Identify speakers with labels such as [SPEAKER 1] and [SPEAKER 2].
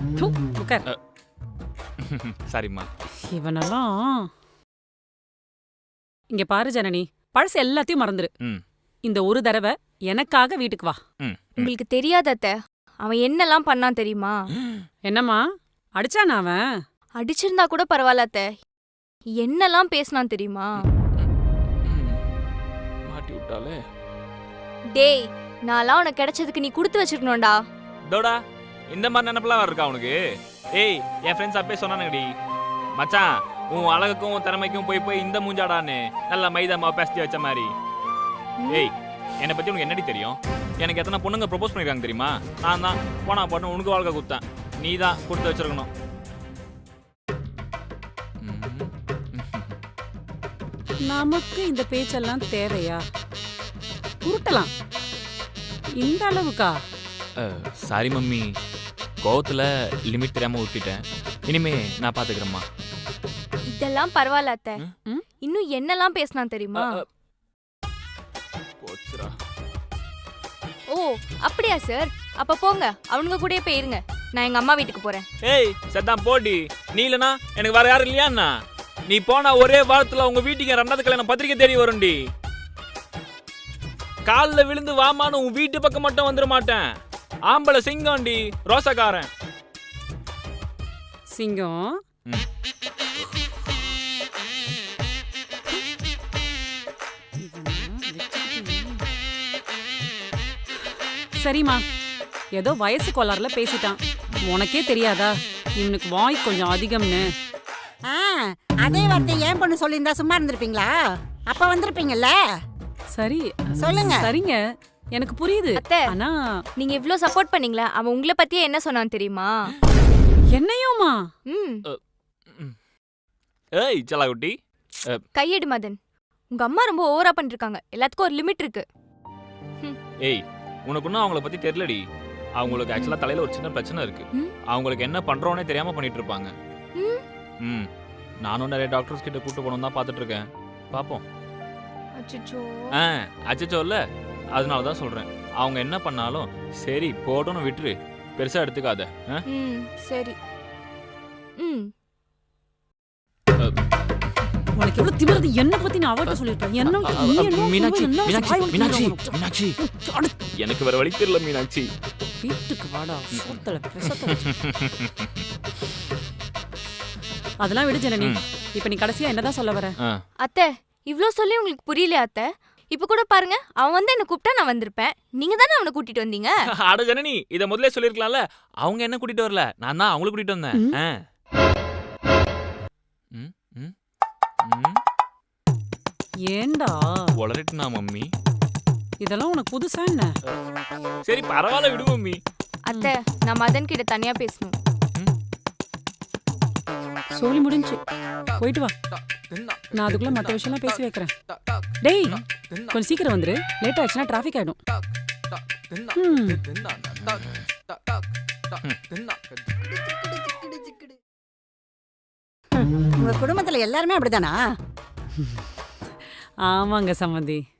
[SPEAKER 1] தூ, உட்கார்.
[SPEAKER 2] சரிம்மா.
[SPEAKER 1] இவனெல்லாம் இங்க பாரு ஜனனி, பழசு எல்லாத்தையும் மறந்துரு.
[SPEAKER 2] ம்.
[SPEAKER 1] இந்த ஒரு தடவை எனக்காக வீட்டுக்கு வா.
[SPEAKER 2] ம்.
[SPEAKER 3] உங்களுக்கு தெரியாத அத்தை, அவன் என்னெல்லாம் பண்ணான் தெரியுமா?
[SPEAKER 1] என்னம்மா அடிச்சானா அவன்?
[SPEAKER 3] அடிச்சிருந்தா கூட பரவாயில்ல அத்தை, என்னெல்லாம் பேசினான் தெரியுமா?
[SPEAKER 2] மாட்டி விட்டாலே.
[SPEAKER 3] டேய், நான்லாம் உனக்கு கிடைச்சதுக்கு நீ கொடுத்து வச்சிருக்கணும்டா.
[SPEAKER 2] தோடா இந்த மாதிரி நினைப்பெல்லாம் இருக்கா உனக்கு? ஏய், என் ஃப்ரெண்ட்ஸ் அப்பே சொன்னானுங்கடி, மச்சான் உன் அழகுக்கும் உன் திறமைக்கும் போய் போய் இந்த மூஞ்சாடான்னு நல்லா மைதா மாவு பேசி வச்ச மாதிரி. ஏய், என்னை பத்தி உனக்கு என்னடி தெரியும்? எனக்கு எத்தனை பொண்ணுங்க ப்ரொபோஸ் பண்ணிருக்காங்க தெரியுமா? நான் தான் போனா போட்டு உனக்கு வாழ்க்கை கொடுத்தேன். நீ தான் கொடுத்து வச்சிருக்கணும்.
[SPEAKER 1] நமக்கு இந்த பேச்செல்லாம் தேவையா? உருட்டலாம் இந்த அளவுக்கா?
[SPEAKER 2] சாரி மம்மி, கோவத்துல லிமிட் தெரியாம ஊத்திட்டேன். இனிமே நான் பாத்துக்கிறேம்மா.
[SPEAKER 3] இதெல்லாம் பரவாயில்ல அத்தை,
[SPEAKER 1] ம்?
[SPEAKER 3] இன்னும் என்னெல்லாம் பேசினான் தெரியுமா?
[SPEAKER 2] போச்சுடா.
[SPEAKER 3] ஓ அப்படியா சார், அப்ப போங்க, அவனுங்க கூடயே போயிருங்க. நான் எங்க அம்மா வீட்டுக்கு போறேன்.
[SPEAKER 2] ஏய் சத்தான் போடி, நீ இல்லனா எனக்கு வேற யாரும் இல்லையாண்ணா? நீ போனா ஒரே வாரத்துல உங்க வீட்டுக்கு ரெண்டாவது கல்யாணம் பத்திரிக்கை தேடி வரும்டி. காலில் விழுந்து வாமான்னு உன் வீட்டு பக்கம் மட்டும் வந்துட மாட்டேன். ஆம்பளை சிங்கம்டி, ரோசக்காரன்
[SPEAKER 1] சிங்கம். சரிம்மா, ஏதோ வயசு கோளாறுல பேசிட்டான். உனக்கே தெரியாதா இவனுக்கு வாய் கொஞ்சம் அதிகம்னு?
[SPEAKER 4] அதே வார்த்தை ஏன் பொண்ணு சொல்லியிருந்தா சும்மா இருந்திருப்பீங்களா? அப்ப வந்திருப்பீங்கல்ல.
[SPEAKER 1] சரி
[SPEAKER 4] சொல்லுங்க.
[SPEAKER 1] சரிங்க, எனக்கு புரியுது.
[SPEAKER 3] அத்தை,
[SPEAKER 1] ஆனா
[SPEAKER 3] நீங்க இவ்ளோ சப்போர்ட் பண்ணீங்களா, அவன் உங்களை பத்தியே என்ன சொன்னான் தெரியுமா?
[SPEAKER 1] என்னையுமா?
[SPEAKER 3] ம்.
[SPEAKER 2] ஏய் சலாகுட்டி,
[SPEAKER 3] கையெடு மதன், உங்க அம்மா ரொம்ப ஓவரா பண்ணிருக்காங்க. எல்லாத்துக்கும் ஒரு லிமிட் இருக்கு.
[SPEAKER 2] ஏய் உனக்கு இன்னும் அவங்கள பத்தி தெரியலடி. அவங்களுக்கு ஆக்சுவலா தலையில ஒரு சின்ன பிரச்சனை இருக்கு. அவங்களுக்கு என்ன பண்றோன்னே தெரியாம பண்ணிட்டு இருப்பாங்க. ம், நானும் நிறைய டாக்டர்ஸ் கிட்ட கூட்டு போகணும் தான் பார்த்துட்டு இருக்கேன். பாப்போம்.
[SPEAKER 3] அச்சச்சோ.
[SPEAKER 2] அச்சச்சோ இல்ல, அதனால தான் சொல்றேன். அவங்க என்ன பண்ணாலும் சரி போட்டோன்னு விட்டுரு, பெருசா எடுத்துக்காத.
[SPEAKER 3] சரி.
[SPEAKER 1] உனக்கு எவ்வளவு திமிருது? என்ன பத்தி நான் அவட்ட சொல்லிட்டேன். என்ன நீ என்ன
[SPEAKER 2] மீனாட்சி,
[SPEAKER 1] என்ன
[SPEAKER 2] மீனாட்சி,
[SPEAKER 1] வாய்
[SPEAKER 2] மீனாட்சி,
[SPEAKER 1] உடைக்கிறவங்க?
[SPEAKER 2] மீனாட்சி, எனக்கு வேற வழி தெரியல மீனாட்சி.
[SPEAKER 1] வீட்டுக்கு வாடா, சோத்தல பிரசத்தல. அதெல்லாம் விடு ஜனனி. இப்ப நீ கடைசியா என்னதான் சொல்ல வர?
[SPEAKER 3] அத்தை, இவ்ளோ சொல்லி உங்களுக்கு புரியலையா அத்தை? இப்ப கூட பாருங்க, அவன் வந்து என்ன கூப்பிட்டா நான் வந்திருப்பேன். நீங்க தானே அவனை கூட்டிட்டு வந்தீங்க.
[SPEAKER 2] அட ஜனனி, இத முதல்ல சொல்லிருக்கலாம்ல. அவங்க என்ன கூட்டிட்டு வரல, நான் தான் அவங்கள கூட்டிட்டு வந்தேன்.
[SPEAKER 1] ஏண்டா
[SPEAKER 2] உளறிட்டுனா மம்மி?
[SPEAKER 1] இதெல்லாம் உனக்கு புதுசா என்ன?
[SPEAKER 2] சரி பரவாயில்ல விடு மம்மி.
[SPEAKER 3] அத்தை, நான் மதன் கிட்ட தனியா பேசணும்.
[SPEAKER 1] சொல்லி முடிஞ்சு போயிட்டு வா. நான் அதுக்குள்ள மத்த விஷயம்லாம் பேசி வைக்கிறேன். டேய் கொஞ்சம் சீக்கிரம் வந்துரு, லேட் ஆயிடுச்சுன்னா டிராஃபிக் ஆயிடும்.
[SPEAKER 4] உங்க குடும்பத்துல எல்லாருமே அப்படிதானா?
[SPEAKER 1] ஆமாங்க சம்மந்தி.